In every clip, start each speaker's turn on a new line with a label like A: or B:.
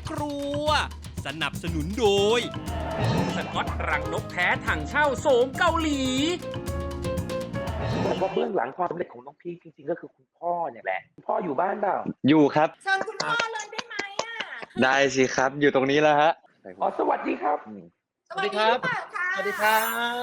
A: ครัวสนับสนุนโดยสก๊อตรังนกแท้ถังเช่าโสมเกาหลี
B: บอกว่าเบื้องหลังความสำเร็จของน้องพีคจริงๆก็คือคุณพ่อเนี่ยแหละคุณพ่ออยู่บ้านเปล่า
C: อยู่ครับ
D: เชิญคุณพ่อเลยได้ไหมอ่ะ
C: ได้สิครับ อยู่ตรงนี้แล้วฮะ
B: อ๋อสวัสดีครับ
D: สวัสดีครับสวัสดีครับ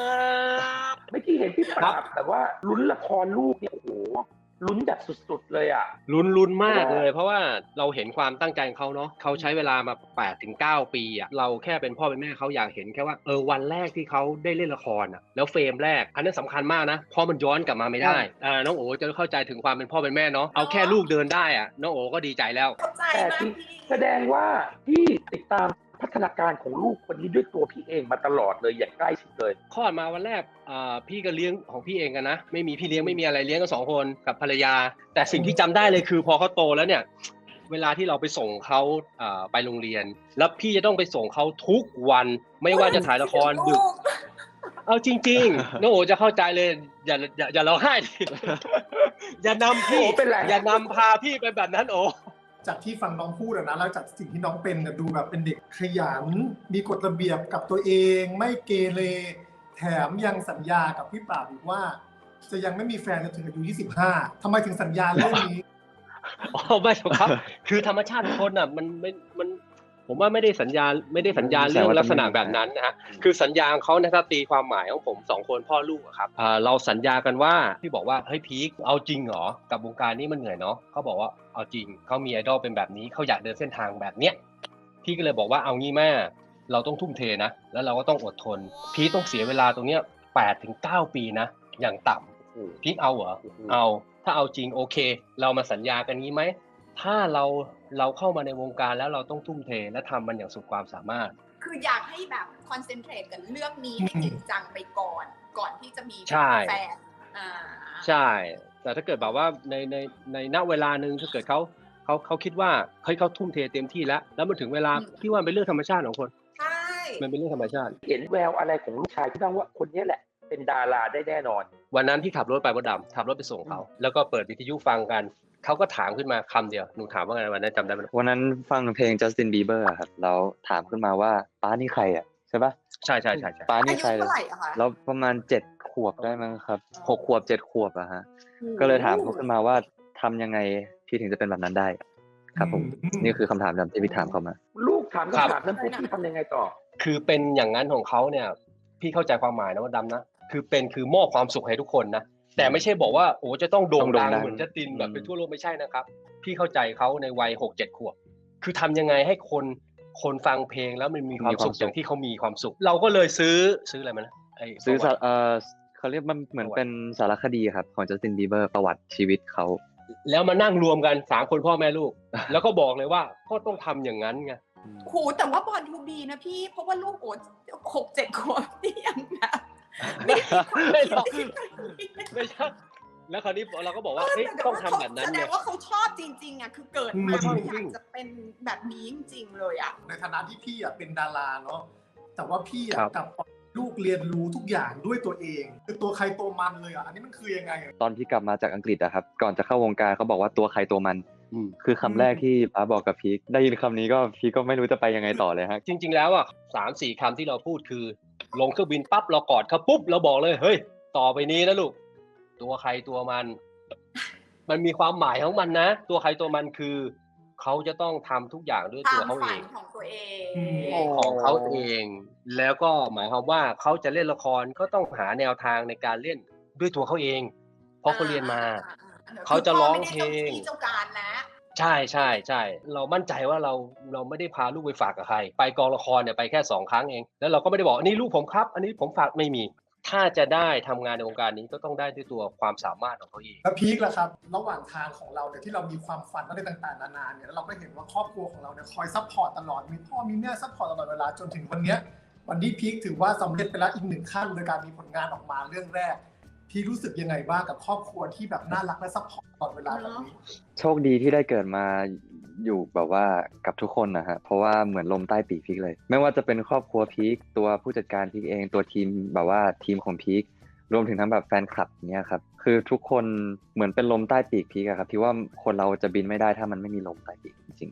B: เมื่อกี้เห็นพี่ปราบแบบว่าลุ้นละครลูกเนี่ยโอ้โหลุ้นแบบสุดๆเลยอ่ะ
E: ลุ้นมากเลย เพราะว่าเราเห็นความตั้งใจของเขาเนาะเขาใช้เวลามา8 ถึง 9 ปีอ่ะเราแค่เป็นพ่อเป็นแม่เขาอยากเห็นแค่ว่าวันแรกที่เขาได้เล่นละครอ่ะแล้วเฟรมแรกอันนั้นสำคัญมากนะเพราะมันย้อนกลับมาไม่ได้น้องโอ๋จะเข้าใจถึงความเป็นพ่อเป็นแม่เนาะเอาแค่ลูกเดินได้อ่ะน้องโอ๋ก็ดีใจแล้ว
D: เข้าใจ
B: แต่
D: มาก
B: ที่
D: พี่
B: แสดงว่าพี่ติดตามพัฒนาการของลูกคนนี้ด้วยตัวพี่เองมาตลอดเลยอย่างใกล้ชิดเลย
E: คลอดมาวันแรกพี่ก็เลี้ยงของพี่เองกันนะไม่มีพี่เลี้ยงไม่มีอะไรเลี้ยงกัน2 คนกับภรรยาแต่สิ่งที่จำได้เลยคือพอเขาโตแล้วเนี่ยเวลาที่เราไปส่งเขาไปโรงเรียนแล้วพี่จะต้องไปส่งเขาทุกวันไม่ว่าจะถ่ายละครดึกเอาจริงๆน้องโอจะเข้าใจเลยอย่าร้องไห้ดิ อย่านำพี่
B: โอ้เป็นไร
E: อย่านำพาพี่ไปแบบนั้นโอ
F: จากที่ฟังน้องพูดนะแล้วจากสิ่งที่น้องเป็นดูแบบเป็นเด็กขยันมีกฎระเบียบกับตัวเองไม่เกเรแถมยังสัญญากับพี่ปราบอีกว่าจะยังไม่มีแฟนจนถึงอายุ25ทำไมถึงสัญญาเรื่องนี้
E: อ๋อไม่หรอกครับ คือธรรมชาติของคนอ่ะมันผมว่าไม่ได้สัญญาเรื่องลักษณะแบบนั้นนะฮะคือสัญญาของเขานะครับตีความหมายของผม2 คนพ่อลูกอะครับเราสัญญากันว่าพี่บอกว่าเฮ้ยพีคเอาจริงเหรอกับวงการนี้มันเหนื่อยเนาะเขาบอกว่าเอาจริงเขามีไอดอลเป็นแบบนี้เขาอยากเดินเส้นทางแบบเนี้ยพี่ก็เลยบอกว่าเอางี้แม่เราต้องทุ่มเทนะแล้วเราก็ต้องอดทนพีคต้องเสียเวลาตรงเนี้ย8 ถึง 9 ปีนะอย่างต่ำพีคเอาเหรอเอาถ้าเอาจริงโอเคเรามาสัญญากันงี้ไหมถ้าเราเข้ามาในวงการแล้วเราต้องทุ่มเทและทำมันอย่างสุดความสามารถ
D: คืออยากให้แบบคอนเซนเทรตกับเรื่องนี้ให้จริงจังไปก่อนที่จะมี
E: ใช่
D: แฟน
E: ใช่ แต่ถ้าเกิดแบบว่าในณเวลาหนึ่งถ้าเกิดเขาคิดว่าเขาทุ่มเทเต็มที่แล้วมันถึงเวลาพี่ว่าเป็นเรื่องธรรมชาติของคน
D: ใช่
E: มันเป็นเรื่องธรรมชาติ
B: เห็นแววอะไรของลูกชายที่บ้างว่าคนนี้แหละเป็นดาราได้แน่นอน
E: วันนั้นพี่ขับรถไปมดดำขับรถไปส่งเขาแล้วก็เปิดวิทยุฟังกันเขาก็ถามขึ้นมาคำเดียวหนูถามว่าไงวันนั้นจำได้ไหม
C: วันนั้นฟังเพลง Justin Bieber อะครับแล้วถามขึ้นมาว่าป้านี่ใครอ่ะใช่ปะ
E: ใช่
C: ป้า
D: อา
C: นี่
D: ยุ
C: ใครเล
D: เท่าย ไหร่อะคะ
C: แล้วประมาณ7 ขวบได้มั้งครับ6 ขวบ7 ขวบอะฮะก็เลยถามเขาขึ้นมาว่าทำยังไงพี่ถึงจะเป็นแบบนั้นได้ครับผมนี่คือคำถามที่พี่ถามเขามา
B: ลูกถามคำถามนั้นปุ๊บพี่ทำยังไงต่อ
E: คือเป็นอย่างนั้นของเขาเนี่ยพี่เข้าใจความหมายนะว่าดำนะคือมอบความสุขให้ทุกคนนะแต่ไม่ใช่บอกว่าโอ้จะต้องโด่งดังเหมือนจัสตินแบบเป็นทั่วโลกไม่ใช่นะครับพี่เข้าใจเขาในวัย6-7 ขวบคือทำยังไงให้คนฟังเพลงแล้วมันมีความสุขอย่างที่เขามีความสุขเราก็เลยซื้ออะไรมานะ
C: ซื้อเขาเรียกมันเหมือนเป็นสารคดีครับของ Justin Bieber ประวัติชีวิตเขา
E: แล้วมานั่งรวมกัน3 คนพ่อแม่ลูก แล้วก็บอกเลยว่าพ่อต้องทำอย่างนั้นไง
D: ครูแต่ว่าบอลทูบีนะพี่เพราะว่าลูกโอ๊ต6-7 ขวบนี่ยังแบบ
E: ไม่หรอกไม่ใช่แล้วคราวนี้เราก็บอกว่าเฮ้ยต้องทำแบบนั้น
D: แสด
E: เนี่
D: ง
E: ย
D: ว่าเขาชอบจริงๆอ่ะคือเกิดมาเขาอยากจะเป็นแบบนี้จริงๆเลยอ่ะ
F: ในฐานะที่พี่เป็นดาราเนาะแต่ว่าพี่
E: ครับ
F: กับลูกเรียนรู้ทุกอย่างด้วยตัวเองคือตัวใครตัวมันเลยอันนี้มันคือยังไง
C: ตอนที่กลับมาจากอังกฤษอะครับก่อนจะเข้าวงการเขาบอกว่าตัวใครตัวมันคือคำแรกที่ป้าบอกกับพีคได้ยินคำนี้ก็พีคก็ไม่รู้จะไปยังไงต่อเลยฮะ
E: จริงๆแล้วอ่ะ3-4 คำที่เราพูดคือลงเครื่องบินปั๊บเรากอดเขาปุ๊บเราบอกเลยเฮ้ยต่อไปนี้นะลูกตัวใครตัวมัน มันมีความหมายของมันนะตัวใครตัวมันคือเขาจะต้องทำทุกอย่างด้วยตัวเขาเอง
D: ของตัวเอง
E: ของเขาเอง แล้วก็หมายความว่าเขาจะเล่นละครก็ต้องหาแนวทางในการเล่นด้วยตัวเขาเอง เพราะเขาเรียนมา เขาจะร้องเพลง
D: เจ้าการแล้ว
E: ใช่เรามั่นใจว่าเราไม่ได้พาลูกไปฝากกับใครไปกองละครเนี่ยไปแค่2 ครั้งเองแล้วเราก็ไม่ได้บอกอันนี้ลูกผมครับอันนี้ผมฝากไม่มีถ้าจะได้ทำงานในวงการนี้ก็ต้องได้ด้วยตัวความสามารถของเขาเอง
F: แล้วพีคล่ะครับระหว่างทางของเราเนี่ยที่เรามีความฝันอะไรต่างๆนานาเนี่ยแล้วเราก็เห็นว่าครอบครัวของเราเนี่ยคอยซัพพอร์ตตลอดมีพ่อมีแม่ซัพพอร์ตตลอดเวลาจนถึงวันเนี้ยวันนี้พีคถือว่าสำเร็จไปแล้วอีก1 ขั้นโดยการมีผลงานออกมาเรื่องแรกพีครู้สึกยังไงบ้างกับครอบครัวที่แบบน่ารักและซัพพอร์ตตลอดเวลาแบบนี้
C: โชคดีที่ได้เกิดมาอยู่แบบว่ากับทุกคนนะฮะเพราะว่าเหมือนลมใต้ปีกพีคเลยไม่ว่าจะเป็นครอบครัวพีคตัวผู้จัดการพีคเองตัวทีมแบบว่าทีมของพีครวมถึงทั้งแบบแฟนคลับเนี้ยครับคือทุกคนเหมือนเป็นลมใต้ปีกพีคอะครับที่ว่าคนเราจะบินไม่ได้ถ้ามันไม่มีลมใต้ปีกจริงๆ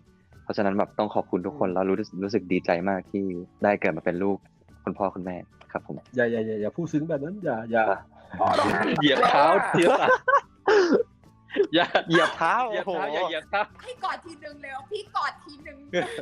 C: เพราะฉะนั้นแบบต้องขอบคุณทุกคนแล้วรู้สึกดีใจมากที่ได้เกิดมาเป็นลูกคุณพ่อคุณแม่ครับผม
E: อย่าพูดซึ้งแบบนั้นอย่า
B: พ่อต้องห้าม
E: เหยียบเท้าอย่า
C: เหยียบเท้า
E: เหยียบ
C: โอ้โห
E: เท้าอย่าเหยียบเท้า
D: ให้กอดทีนึงเลยพี่กอดทีนึง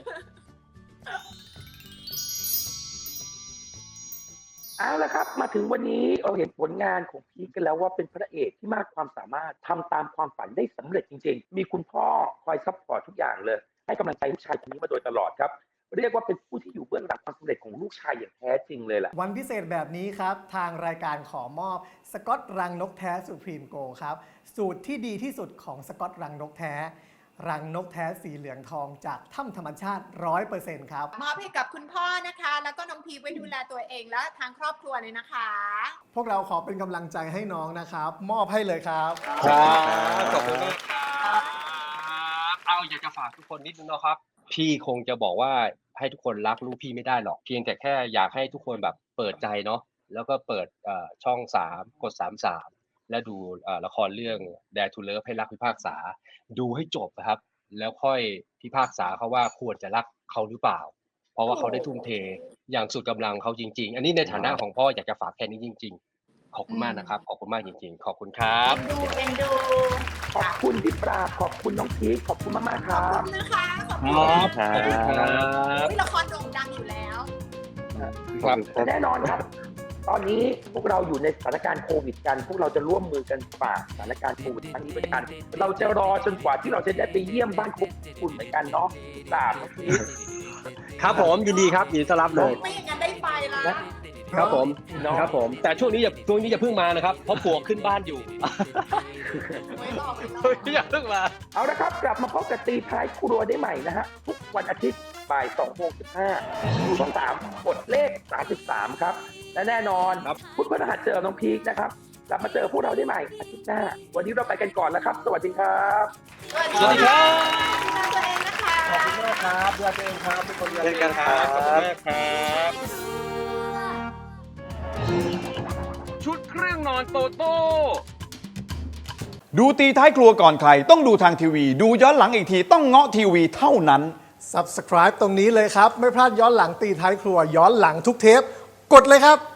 B: เอาละครับมาถึงวันนี้เราเห็นผลงานของพีคกันแล้วว่าเป็นพระเอกที่มากความสามารถทำตามความฝันได้สำเร็จจริงๆมีคุณพ่อคอยซัพพอร์ตทุกอย่างเลยให้กำลังใจลูกชายคนนี้มาโดยตลอดครับเรียกว่าเป็นผู้ที่อยู่เบื้องหลังความสำเร็จของลูกชายอย่างแท้จริงเลยแหละ
G: วันพิเศษแบบนี้ครับ ทางรายการขอมอบสกอตรังนกแท้สุพรีมโกครับ สูตรที่ดีที่สุดของสกอตรังนกแท้ รังนกแท้สีเหลืองทองจากถ้ำธรรมชาติ 100% ครับ
D: มอบให้กับคุณพ่อนะคะ แล้วก็น้องพีไว้ดูแลตัวเองและทางครอบครัวเลยนะคะ
G: พวกเราขอเป็นกำลังใจให้น้องนะครับ มอบให้เลยครับ
E: ครับขอบคุณมากครับเอาอยากจะฝากทุกคนนิดนึงนะครับพี่คงจะบอกว่าให้ทุกคนรักลูกพี่ไม่ได้หรอกเพียงแต่แค่อยากให้ทุกคนแบบเปิดใจเนาะแล้วก็เปิดช่อง3กด33และดูละครเรื่อง Dare to Love ให้รักพิพากษาดูให้จบนะครับแล้วค่อยพิพากษาเขาว่าควรจะรักเขาหรือเปล่าเพราะว่าเขาได้ทุ่มเทอย่างสุดกำลังเขาจริงๆอันนี้ในฐานะของพ่ออยากจะฝากแค่นี้จริงๆขอบคุณมากนะครับขอบคุณมากจริงๆขอบคุณครับ
D: เอ็นดู
B: ขอบคุณพี่ปราบขอบคุณน้องพีคขอบคุณมากๆค
D: ขอบ
B: รับ
D: คุณนะคะขอบคุณ
C: ครับ
D: อุ๊ยละครโด่งดังอยู่แล้ว
E: ครับ
B: แต่แน่นอนครับ ตอนนี้พวกเราอยู่ในสถานการณ์โควิดกัน พวกเราจะร่วมมือกันฝ่าสถานการณ์โควิดครั้งนี้ไปด้วยกัน เราจะรอจนกว่าที่เราจะได้ไปเยี่ยมบ้านคุณเหมือนกันเนาะตามน้องพีค
E: ครับผมยินดีครับยินดีต้อนรับเลย
D: ไม่อย่างนั้นได้ไปละ
E: ครับผม
B: เนาะ
E: ครับผมแต่ช่วงนี้อย่าเพิ่งมานะครับเพราะปลวกขึ้นบ้านอยู่
D: ไม่รอไม่รอ
E: อย่าเพิ่งมา
B: เอาละครับ กลับมาพบกับตีท้ายครัวได้ใหม่นะฮะ ทุกวันอาทิตย์บ่าย2:15ดูช่อง3กดเลข33ครับ และแน่นอน
E: ครับ
B: พุธพฤหัสเจอน้องพีคนะครับ กลับมาเจอพวกเราได้ใหม่อาทิตย์หน้า วันนี้เราไปกันก่อนแล้วครับ สวัสดีครับ
D: สวัสดีครับดูแลตัวเองนะคะ
E: ขอบคุณมากครับดูแลตัวเองครับทุกคนดูแล
C: เช่นกันครับ
E: ขอบคุณมากครับ
A: ชุดเครื่องนอนโตโต้
H: ดูตีท้ายครัวก่อนใครต้องดูทางทีวี ดูย้อนหลังอีกทีต้องเงาะทีวีเท่านั้น
G: Subscribe ตรงนี้เลยครับ ไม่พลาดย้อนหลังตีท้ายครัวย้อนหลังทุกเทป กดเลยครับ